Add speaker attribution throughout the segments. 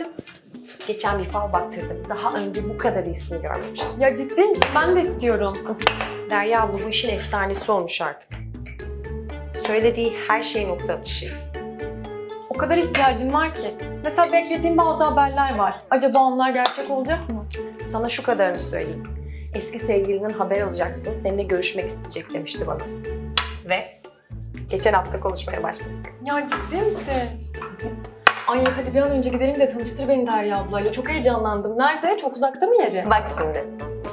Speaker 1: gidelim.
Speaker 2: Geçen bir fal baktırdım. Daha önce bu kadar iyisini görmemiştim.
Speaker 1: Ya ciddi misin? Ben de istiyorum.
Speaker 2: Derya abla bu işin efsanesi olmuş artık. Söylediği her şey nokta atışıydı.
Speaker 1: O kadar ihtiyacım var ki. Mesela beklediğim bazı haberler var. Acaba onlar gerçek olacak mı?
Speaker 2: Sana şu kadarını söyleyeyim. Eski sevgilinin haber alacaksın, seninle görüşmek isteyecek demişti bana. Ve geçen hafta konuşmaya başladık.
Speaker 1: Ya ciddi misin? Ay hadi bir an önce gidelim de tanıştır beni Derya ablayla. Çok heyecanlandım. Nerede? Çok uzakta mı yeri?
Speaker 2: Bak şimdi.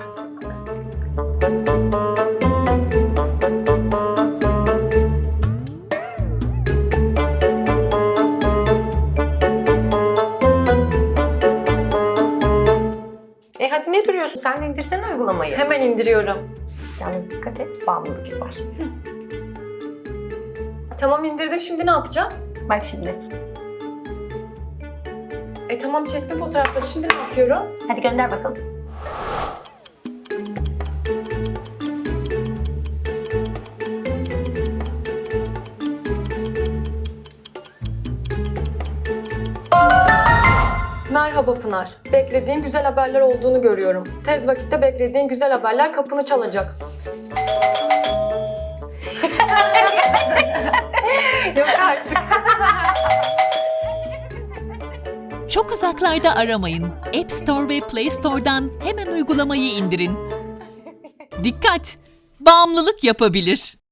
Speaker 2: Hadi ne duruyorsun? Sen de indirsene uygulamayı.
Speaker 1: Hemen indiriyorum.
Speaker 2: Yalnız dikkat et, bağımlılık yapar.
Speaker 1: Tamam indirdim. Şimdi ne yapacağım?
Speaker 2: Bak şimdi.
Speaker 1: Tamam çektim fotoğrafları. Şimdi ne yapıyorum?
Speaker 2: Hadi gönder bakalım.
Speaker 1: Merhaba Pınar. Beklediğin güzel haberler olduğunu görüyorum. Tez vakitte beklediğin güzel haberler kapını çalacak. Yok artık.
Speaker 3: Çok uzaklarda aramayın. App Store ve Play Store'dan hemen uygulamayı indirin. Dikkat! Bağımlılık yapabilir.